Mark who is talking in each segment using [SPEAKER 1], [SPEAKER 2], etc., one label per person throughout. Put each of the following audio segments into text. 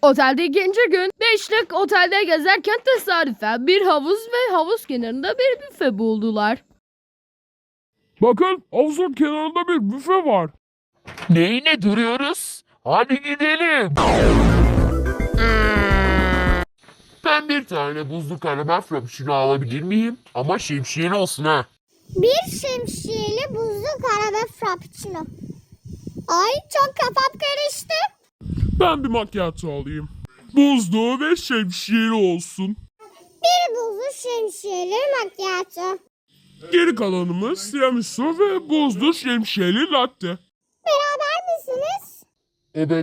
[SPEAKER 1] Otelde ikinci gün. Beşlik otelde gezerken tesadüfen bir havuz ve havuz kenarında bir büfe buldular.
[SPEAKER 2] Bakın havuzun kenarında bir büfe var.
[SPEAKER 3] Neyine duruyoruz? Hadi gidelim. Ben bir tane buzlu karamel frappuccino alabilir miyim? Ama şemsiyeli olsun ha.
[SPEAKER 4] Bir şemsiyeli buzlu kahve frappuccino. Ay çok kafam karıştı.
[SPEAKER 2] Ben bir macchiato alayım. Buzlu ve şemsiyeli olsun.
[SPEAKER 4] Bir buzlu şemsiyeli macchiato.
[SPEAKER 2] Geri kalanımız tiramisu ve buzlu şemsiyeli latte.
[SPEAKER 4] Beraber misiniz?
[SPEAKER 3] Evet,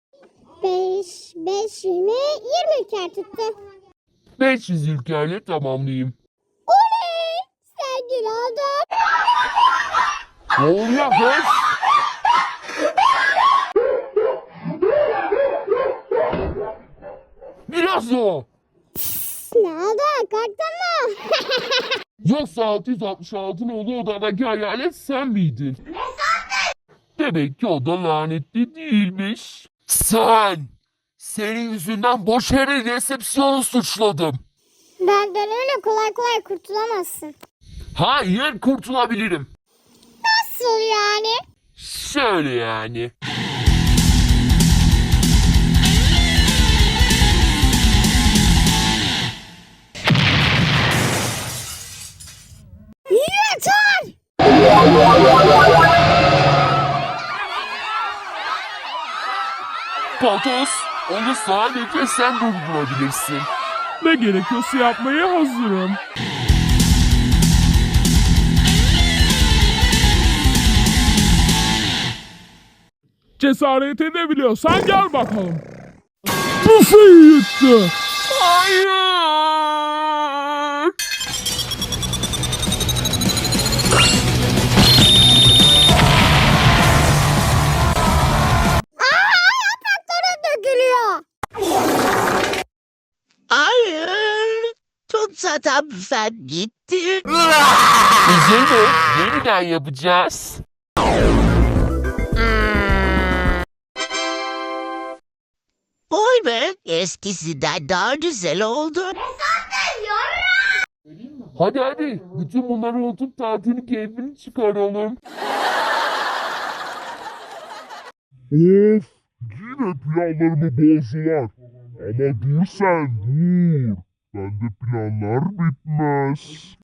[SPEAKER 4] 5, 20 ülker tuttu.
[SPEAKER 3] 500 ülkeyle tamamlayayım.
[SPEAKER 4] Oley! Zengin oldum.
[SPEAKER 3] Ne oluyor kız? Biraz o.
[SPEAKER 4] Ne oldu? Korktun mu?
[SPEAKER 3] Yoksa 666 nolu odadaki hayalet sen miydin? Demek ki o da lanetli değilmiş. Senin yüzünden boş yere resepsiyonu suçladım.
[SPEAKER 4] Benden öyle kolay kolay kurtulamazsın.
[SPEAKER 3] Hayır, kurtulabilirim.
[SPEAKER 4] Nasıl yani?
[SPEAKER 3] Şöyle yani.
[SPEAKER 4] Yeter!
[SPEAKER 3] Patos, onu sadece sen durdurabilirsin.
[SPEAKER 2] Ne gerekiyorsa yapmaya hazırım. Cesaret edebiliyorsan gel bakalım. Büfeyi yıktı.
[SPEAKER 3] Hayır!
[SPEAKER 4] Yaprakların dökülüyor.
[SPEAKER 5] Hayır. Tut zaten büfen gitti.
[SPEAKER 3] Üzülme, yeniden yapacağız.
[SPEAKER 5] Vay be, eskisinden daha güzel oldu.
[SPEAKER 3] Hadi, bütün bunları unutup tatilin keyfini çıkaralım.
[SPEAKER 2] Of, yine planlarımı bozdular. Ama dur sen, dur. Bende planlar bitmez.